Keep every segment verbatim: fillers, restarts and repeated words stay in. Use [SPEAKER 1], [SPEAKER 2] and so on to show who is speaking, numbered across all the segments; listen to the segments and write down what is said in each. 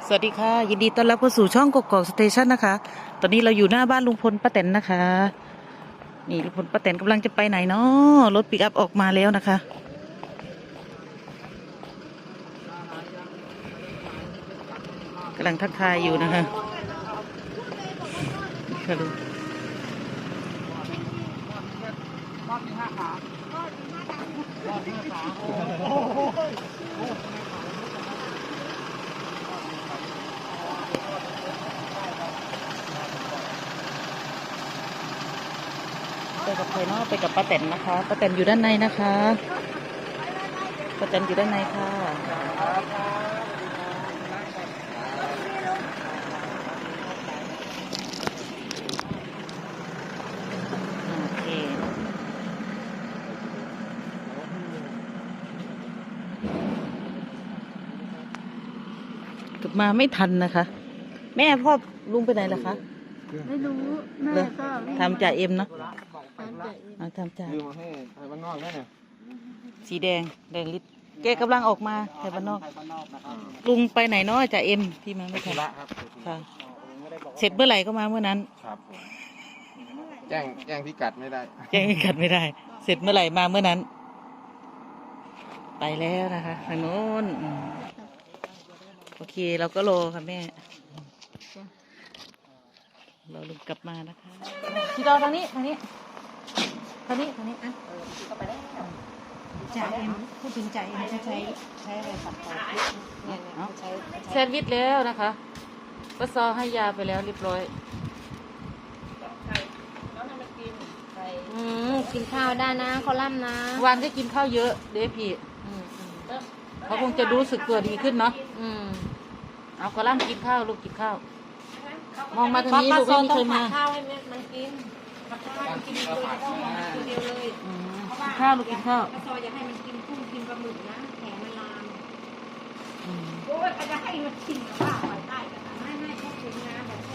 [SPEAKER 1] สวัสดีค่ะยินดีต้อนรับเข้าสู่ช่องกกอกสเตชันนะคะตอนนี้เราอยู่หน้าบ้านลุงพลป้าแตนนะคะนี่ลุงพลป้าแตนกำลังจะไปไหนเนาะรถปิกอัพออกมาแล้วนะคะกำลังทักทายอยู่นะคะค่ะลุงไปกับใครเนาะไปกับป้าแตนนะคะป้าแตนอยู่ด้านในนะคะป้าแตนอยู่ด้านในค่ะโอเคกลับมาไม่ทันนะคะ แม่พ่อลุงไปไหนล่ะคะ
[SPEAKER 2] ไม่รู้แม่
[SPEAKER 1] เหรอ
[SPEAKER 2] ก็วิ่ง
[SPEAKER 1] ทำจ่าเอ็มเนาะ
[SPEAKER 2] ตามใจเอง
[SPEAKER 1] เอาทำจ่า
[SPEAKER 3] ลืมมาให้ไทยบ้านนอกได้เนี่ย
[SPEAKER 1] สีแดงแดงลิตรแกกำลังออกมาไทยบ้านนอก
[SPEAKER 3] ไทยบ้านนอกนะครับ
[SPEAKER 1] ลุงไปไหนเนาะจ่าเอ็มที่มาไม่ทัน
[SPEAKER 3] ธุระครับ
[SPEAKER 1] ค่ะ เสร็จเมื่อไหร่ก็มาเมื่อนั้น
[SPEAKER 3] ครับผมแจ้งแจ้งพิกัดไม่ได้
[SPEAKER 1] แจ้งกัดไม่ได้ เสร็จเมื่อไหร่มาเมื่อนั้น ไปแล้วนะคะทางโน้นอืมโอเคเราก็รอค่ะแม่รอลุงกลับมานะคะที่รอทางนี้ทางนี้ทางนี้ทางนี้อ่ะเออเข้าไปได้
[SPEAKER 2] จ่าเอ็มพูดถึงจ่าเอ็มจะใช้ใช้อะไรตัดต่อเนี่ยเนี่ยใช้
[SPEAKER 1] แซนด์วิชแล้วนะคะก็ซอให้ยาไปแล้วเรียบร้อย
[SPEAKER 2] อืมกินข้าวได้นะคอลัมน์นะ
[SPEAKER 1] วันได้กินข้าวเยอะเด้พี่
[SPEAKER 2] อืมอืม
[SPEAKER 1] เขาคงจะรู้สึกตัวดีขึ้นเนาะ
[SPEAKER 2] อืม
[SPEAKER 1] เอากระล่ำกินข้าวลูกกินข้าว มองมาทางนี้ลูกไม่มีใครมา
[SPEAKER 2] ข้าวให้มันกินผัดข้าวกินตัวเดียวตัวเดียวเลย
[SPEAKER 1] อืมกินข้าวลูกกินข้าว
[SPEAKER 2] ป้าซอยอยากให้มันกินกุ้งกินปลาหมึกนะแผลมันลาม
[SPEAKER 1] อืม
[SPEAKER 2] โอ้ยอาจจะให้มันกินกับข้าวไปได้กันไม่ไม่เขาถึงนะแบบแค่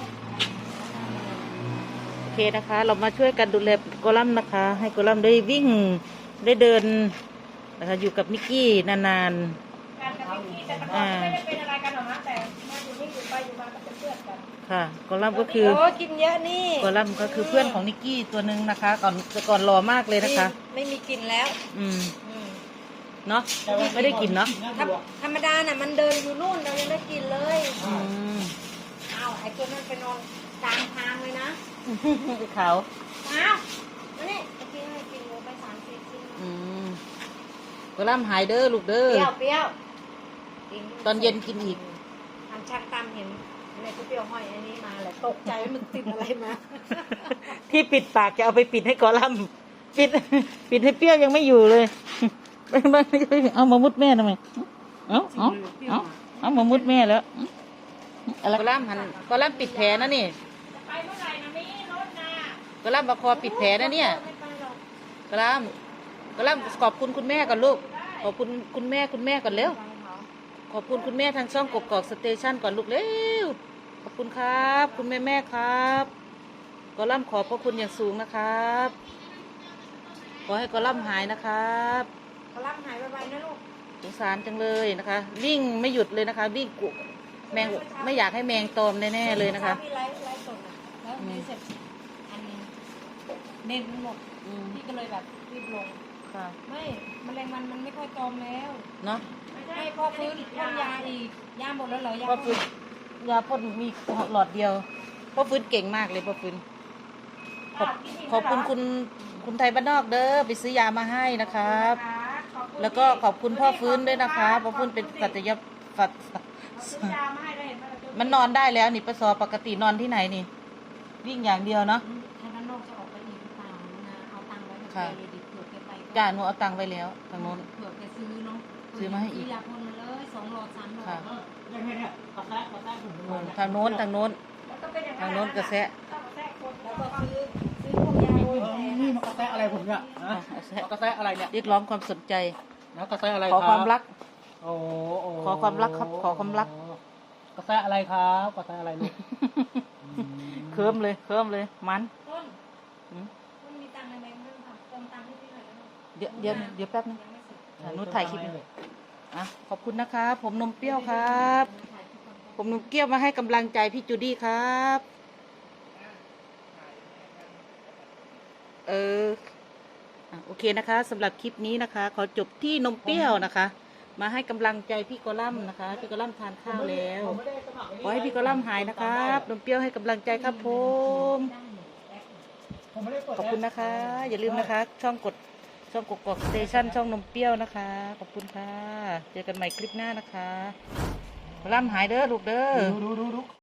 [SPEAKER 1] โอเคนะคะ เรามาช่วยกันดูแลกอลัมน์นะคะ ให้กอลัมน์ได้วิ่งได้เดินนะคะอยู่กับนิกกี้นานๆอ่า
[SPEAKER 2] เป็นอะไรกันหรอนะแต่มาอยู่นี่อยู่ไปอยู่มาก็เป็นเพื่อนกัน
[SPEAKER 1] ค่ะกอลัมน์ก็คือ
[SPEAKER 2] โอ้กินเยอะนี่
[SPEAKER 1] กอลัมน์ก็คือเพื่อนของนิกกี้ตัวหนึ่งนะคะ ก่อนแต่ก่อนรอมากเลยนะคะ
[SPEAKER 2] ไม่มีกินแล้ว
[SPEAKER 1] อืม
[SPEAKER 2] อืม
[SPEAKER 1] เนาะไม่ได้กินเนาะ
[SPEAKER 2] ธรรมธรรมดาน่ะมันเดินอยู่นู่นเรายังได้กินเลย
[SPEAKER 1] อืม
[SPEAKER 2] อ้าวไอ้ตัวนั้นไปนอนกลางทางเลยนะ
[SPEAKER 1] เขา
[SPEAKER 2] อ้าวมานี่ไปกินไปกินหมูไปสามสี่ชิ้น
[SPEAKER 1] อืมกอลัมน์หายเด้อลูกเด้
[SPEAKER 2] เป
[SPEAKER 1] อ
[SPEAKER 2] รี้ยวเปรี้ยวกิ
[SPEAKER 1] ตอนเย็นกินอีก
[SPEAKER 2] อันชักตามเห็นในก๋วยเตี๋ยวห้อยอันนี้มาแหละตกใจว่ามันติดอะไรมา
[SPEAKER 1] ที่ปิดปากจะเอาไปปิดให้กอลัมน์ปิด ปิดให้เปรี้ยวยังไม่อยู่เลย เอามามุดแม่ทำไมเอาเอาเอาเอามามุดแม่แล้วอะไรกอลัมน์หันกอลัมน์ปิดแผลนะนี่
[SPEAKER 2] ไปเมื่อไหร่นะมีรถนะ
[SPEAKER 1] กอลัมน์ประคอปิดแผลนะเนี่ย
[SPEAKER 2] ไม่ไปหรอก
[SPEAKER 1] กอลัมน์กอลัมน์ขอบคุณคุณแม่ก่อนลูกขอบคุณคุณแม่คุณแม่ก่อนเร็ว ขอบคุณคุณแม่ทางช่องกกอกสเตชันก่อนลูกเร็วขอบคุณครับ คุณแม่แม่ครับกอลัมน์ขอบพระคุณอย่างสูงนะครับขอให้กอลัมน์หายนะครับ
[SPEAKER 2] เขารับหายไปๆนะลูก
[SPEAKER 1] สงสารจังเลยนะคะ วิ่งไม่หยุดเลยนะคะ วิ่งกุแมงไม่อยากให้แมงตอมแน่ๆเลยนะคะ
[SPEAKER 2] พี่ไลฟ์ไลฟ์สดอะแล้วมีเสร็จอันเน้นหมด
[SPEAKER 1] อืม
[SPEAKER 2] พี่ก็เลยแบบรีบลง
[SPEAKER 1] ค่ะ
[SPEAKER 2] ไม่แมลงวันมันไม่ค่อยตอมแล้ว
[SPEAKER 1] เนาะ
[SPEAKER 2] ให้พ่อฟื้นพ่นยาอีกยาหมดแล้วเหรอยา
[SPEAKER 1] พ่อฟื้นยาพ่นมีหลอดเดียวพ่อฟื้นเก่งมากเลยพ่อฟื้นขอบขอบคุณคุณคุณไทยบ้านนอกเด้อไปซื้อยามาให้นะครับ แล้วก็ขอบคุณพ่อฟื้นด้วยนะคะพ่อฟื้นเป็นสัตยสัต
[SPEAKER 2] ซื้อยามาให้ได้เห็นไหมล่ะ
[SPEAKER 1] มันนอนได้แล้วนี่ปสอปกตินอนที่ไหนนี่ วิ่งอย่างเดียวเนาะ
[SPEAKER 2] ทางด้านนอกจะออกไปอีกหรือเปล่านะเอาตังค์ไว้กับแก
[SPEAKER 1] ค่ะ
[SPEAKER 2] เลยดิเผื่อแกไปก็
[SPEAKER 1] จ้าหนูเอาตังค์ไว้แล้วทางโน้น
[SPEAKER 2] เผื่อแกซื้อเนาะ
[SPEAKER 1] ซื้อมาให้อีก
[SPEAKER 2] ซื้ยาพ่นมาเลยสองหลอดสามหลอด
[SPEAKER 1] ค่ะ
[SPEAKER 2] ยังไงเนี่ยกาแฟกาแฟผม
[SPEAKER 1] อืมทางโน้นทางโน้น
[SPEAKER 2] แล้วก็เป็นอย่าง
[SPEAKER 1] ทางโน้นกระแสะ
[SPEAKER 2] ต้องกาแฟคนแล้วก็ซื้อซื้อพวกยาโรยแผล
[SPEAKER 3] นี่มันกาแฟอะไรผมเนี่ยฮะ
[SPEAKER 1] กระแสะ
[SPEAKER 3] กาแฟอะไรเนี่ย
[SPEAKER 1] เรียกร้องความสนใจ
[SPEAKER 3] แล้วกาแฟอะไร
[SPEAKER 1] ขอความรัก
[SPEAKER 3] โอ้โ
[SPEAKER 1] ขอความรักครับขอความรัก
[SPEAKER 3] กาแฟอะไรครับกาแฟอะไรลูก
[SPEAKER 1] เคิมเลยเคิมเลยมัน
[SPEAKER 2] ต้น
[SPEAKER 1] อืม
[SPEAKER 2] ต้นมีตังค์ในแบงค์ด้วยค่ะเติมตังค์ให้พี่หน่อยได้ไหม
[SPEAKER 1] เดี๋ยวเดี๋ยวเดี๋ยวแป๊บนึง
[SPEAKER 2] ยังไม่เสร็จ
[SPEAKER 1] อ่ะหนูถ่ายคลิปอยู่อ่ะขอบคุณนะคะ ผมนมเปรี้ยวครับ
[SPEAKER 2] ถ่ายคลิปก่อน
[SPEAKER 1] ผมหนุ่มเกี้ยวมาให้กำลังใจพี่จูดี้ครับ เอออ่ะโอเคนะคะสำหรับคลิปนี้นะคะ ขอจบที่นมเปรี้ยวนะคะ มาให้กำลังใจพี่กอลัมน์นะคะ พี่กอลัมน์ทานข้าวแล้วขอให้พี่กอลัมน์หายนะครับนมเปรี้ยวให้กำลังใจครับผมขอบคุณนะคะ อย่าลืมนะคะ ช่องกดช่องกกอกสเตชันช่องนมเปรี้ยวนะคะ ขอบคุณค่ะ เจอกันใหม่คลิปหน้านะคะกอลัมน์หายเด้อลูกเด้อ
[SPEAKER 3] ดูดูดูดู